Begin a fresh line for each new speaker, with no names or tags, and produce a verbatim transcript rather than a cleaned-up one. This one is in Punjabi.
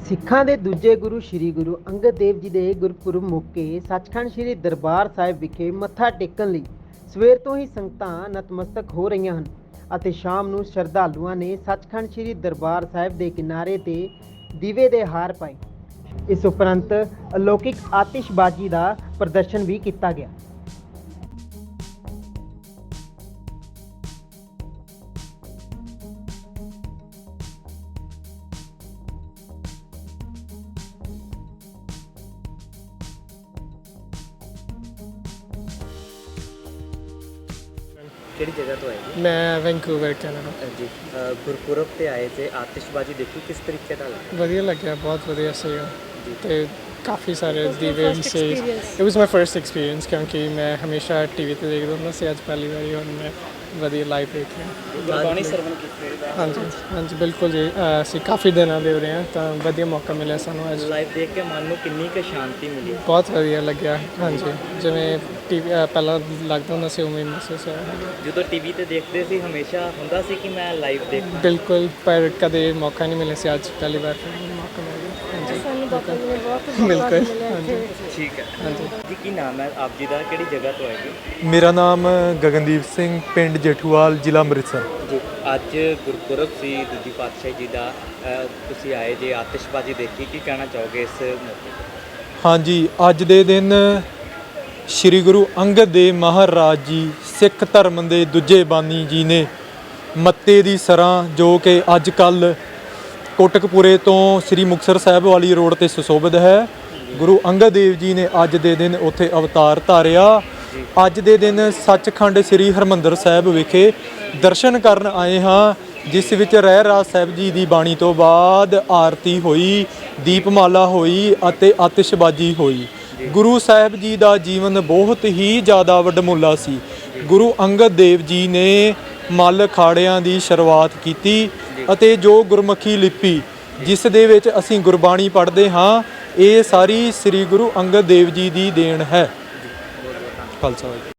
ਸਿੱਖਾਂ ਦੇ ਦੂਜੇ ਗੁਰੂ ਸ਼੍ਰੀ ਗੁਰੂ ਅੰਗਦ ਦੇਵ ਜੀ ਦੇ ਗੁਰਪੁਰਬ ਮੌਕੇ ਸੱਚਖੰਡ ਸ਼੍ਰੀ ਦਰਬਾਰ ਸਾਹਿਬ ਵਿਖੇ ਮੱਥਾ ਟੇਕਣ ਲਈ ਸਵੇਰ ਤੋਂ ਹੀ ਸੰਗਤਾਂ ਨਤਮਸਤਕ ਹੋ ਰਹੀਆਂ ਹਨ ਅਤੇ ਸ਼ਾਮ ਨੂੰ ਸ਼ਰਧਾਲੂਆਂ ਨੇ ਸੱਚਖੰਡ ਸ਼੍ਰੀ ਦਰਬਾਰ ਸਾਹਿਬ ਦੇ ਕਿਨਾਰੇ ਤੇ ਦੀਵੇ ਦੇ ਹਾਰ ਪਾਏ। ਇਸ ਉਪਰੰਤ ਅਲੌਕਿਕ ਆਤਿਸ਼ਬਾਜ਼ੀ ਦਾ ਪ੍ਰਦਰਸ਼ਨ ਵੀ ਕੀਤਾ ਗਿਆ।
ਕਿਹੜੀ ਜਗ੍ਹਾ ਤੋਂ ਆਏ ਜੀ?
ਮੈਂ ਵੈਂਕੂਵਰ ਕੈਨੇਡਾ।
ਜੀ ਅ, ਗੁਰਪੁਰਬ ਤੇ ਆਏ ਤੇ ਆਤਿਸ਼ਬਾਜ਼ੀ ਦੇਖੀ, ਕਿਸ ਤਰੀਕੇ ਨਾਲ ਲੱਗੀ?
ਵਧੀਆ ਲੱਗਿਆ, ਬਹੁਤ ਵਧੀਆ ਸੀਗਾ
ਜੀ।
ਤੇ ਕਾਫੀ ਸਾਰੇ ਦੀਵੇ ਵੀ ਸੀ। It was my first experience ਕਿਉਂਕਿ ਮੈਂ ਹਮੇਸ਼ਾ ਟੀਵੀ ਤੇ ਦੇਖਦਾ ਹੁੰਦਾ ਸੀ, ਅੱਜ ਪਹਿਲੀ ਵਾਰੀ ਹੁਣ ਮੈਂ ਵਧੀਆ ਲਾਈਵ ਦੇਖ ਰਿਹਾ।
ਗੁਰਬਾਣੀ ਸਰਵਣ ਕੀਤੀ
ਹਾਂਜੀ ਹਾਂਜੀ ਬਿਲਕੁਲ ਜੀ। ਅ, ਅਸੀਂ ਕਾਫੀ ਦਿਨਾਂ ਦੇ ਹੋ ਰਹੇ ਹਾਂ ਤਾਂ ਵਧੀਆ ਮੌਕਾ ਮਿਲਿਆ ਸਾਨੂੰ ਅੱਜ।
ਲਾਈਵ ਦੇਖ ਕੇ ਮਨ ਨੂੰ ਕਿੰਨੀ ਕੁ ਸ਼ਾਂਤੀ ਮਿਲੀ?
ਬਹੁਤ ਵਧੀਆ ਲੱਗਿਆ। ਹਾਂਜੀ ਜਿਵੇਂ ਟੀਵੀ ਪਹਿਲਾਂ ਲੱਗਦਾ ਹੁੰਦਾ ਸੀ ਉਵੇਂ ਮਹਿਸੂਸ ਹੋਇਆ।
ਜਦੋਂ ਟੀਵੀ ਤੇ ਦੇਖਦੇ ਸੀ ਹਮੇਸ਼ਾ ਹੁੰਦਾ ਸੀ ਕਿ ਮੈਂ ਲਾਈਵ ਦੇਖਾਂ?
ਬਿਲਕੁਲ, ਪਰ ਕਦੇ ਮੌਕਾ ਨਹੀਂ ਮਿਲਿਆ ਸੀ, ਅੱਜ ਪਹਿਲੀ ਵਾਰ ਮੌਕਾ ਮਿਲ ਗਿਆ। ਹਾਂਜੀ ਬਿਲਕੁਲ ਹਾਂਜੀ
ਠੀਕ ਹੈ।
ਹਾਂਜੀ
ਜੀ ਕੀ ਨਾਮ ਹੈ ਆਪ ਜੀ ਦਾ, ਕਿਹੜੀ ਜਗ੍ਹਾ ਤੋਂ ਆਏ ਜੀ?
ਮੇਰਾ ਨਾਮ ਗਗਨਦੀਪ ਸਿੰਘ, ਪਿੰਡ ਜੇਠੂਵਾਲ, ਜ਼ਿਲ੍ਹਾ ਅੰਮ੍ਰਿਤਸਰ।
ਜੀ ਅੱਜ ਗੁਰਪੁਰਬ ਸੀ ਦੂਜੀ ਪਾਤਸ਼ਾਹੀ ਜੀ ਦਾ, ਅ, ਤੁਸੀਂ ਆਏ ਜੇ ਆਤਿਸ਼ਬਾਜ਼ੀ ਦੇਖੀ, ਕੀ ਕਹਿਣਾ ਚਾਹੋਗੇ ਇਸ ਮੌਕੇ ਤੇ?
ਹਾਂਜੀ, ਅੱਜ ਦੇ ਦਿਨ ਸ੍ਰੀ ਗੁਰੂ ਅੰਗਦ ਦੇਵ ਮਹਾਰਾਜ ਜੀ ਸਿੱਖ ਧਰਮ ਦੇ ਦੂਜੇ ਬਾਨੀ ਜੀ ਨੇ ਮੱਤੇ ਦੀ ਸਰਾਂ, ਜੋ ਕਿ ਅੱਜ ਕੱਲ੍ਹ ਕੋਟਕਪੂਰੇ ਤੋਂ ਸ੍ਰੀ ਮੁਕਤਸਰ ਸਾਹਿਬ ਵਾਲੀ ਰੋਡ ਤੇ ਸੁਸ਼ੋਭਿਤ ਹੈ, ਗੁਰੂ ਅੰਗਦ ਦੇਵ ਜੀ ਨੇ ਅੱਜ ਦੇ ਦਿਨ ਉੱਥੇ ਅਵਤਾਰ ਧਾਰਿਆ। ਅੱਜ ਦੇ ਦਿਨ ਸੱਚਖੰਡ ਸ੍ਰੀ ਹਰਿਮੰਦਰ ਸਾਹਿਬ ਵਿਖੇ ਦਰਸ਼ਨ ਕਰਨ ਆਏ ਹਾਂ, ਜਿਸ ਵਿੱਚ ਰਹਿ ਰਾਸ ਸਾਹਿਬ ਜੀ ਦੀ ਬਾਣੀ ਤੋਂ ਬਾਅਦ ਆਰਤੀ ਹੋਈ, ਦੀਪਮਾਲਾ ਹੋਈ ਅਤੇ ਆਤਿਸ਼ਬਾਜ਼ੀ ਹੋਈ। ਗੁਰੂ ਸਾਹਿਬ ਜੀ ਦਾ ਜੀਵਨ ਬਹੁਤ ਹੀ ਜ਼ਿਆਦਾ ਵਡਮੁੱਲਾ ਸੀ। ਗੁਰੂ ਅੰਗਦ ਦੇਵ ਜੀ ਨੇ ਮੱਲ ਅਖਾੜਿਆਂ ਦੀ ਸ਼ੁਰੂਆਤ ਕੀਤੀ ਅਤੇ ਜੋ ਗੁਰਮੁਖੀ ਲਿਪੀ ਜਿਸ ਦੇ ਵਿੱਚ ਅਸੀਂ ਗੁਰਬਾਣੀ ਪੜ੍ਹਦੇ ਹਾਂ, ਇਹ ਸਾਰੀ ਸ੍ਰੀ ਗੁਰੂ ਅੰਗਦ ਦੇਵ ਜੀ ਦੀ ਦੇਣ ਹੈ। ਖਾਲਸਾ।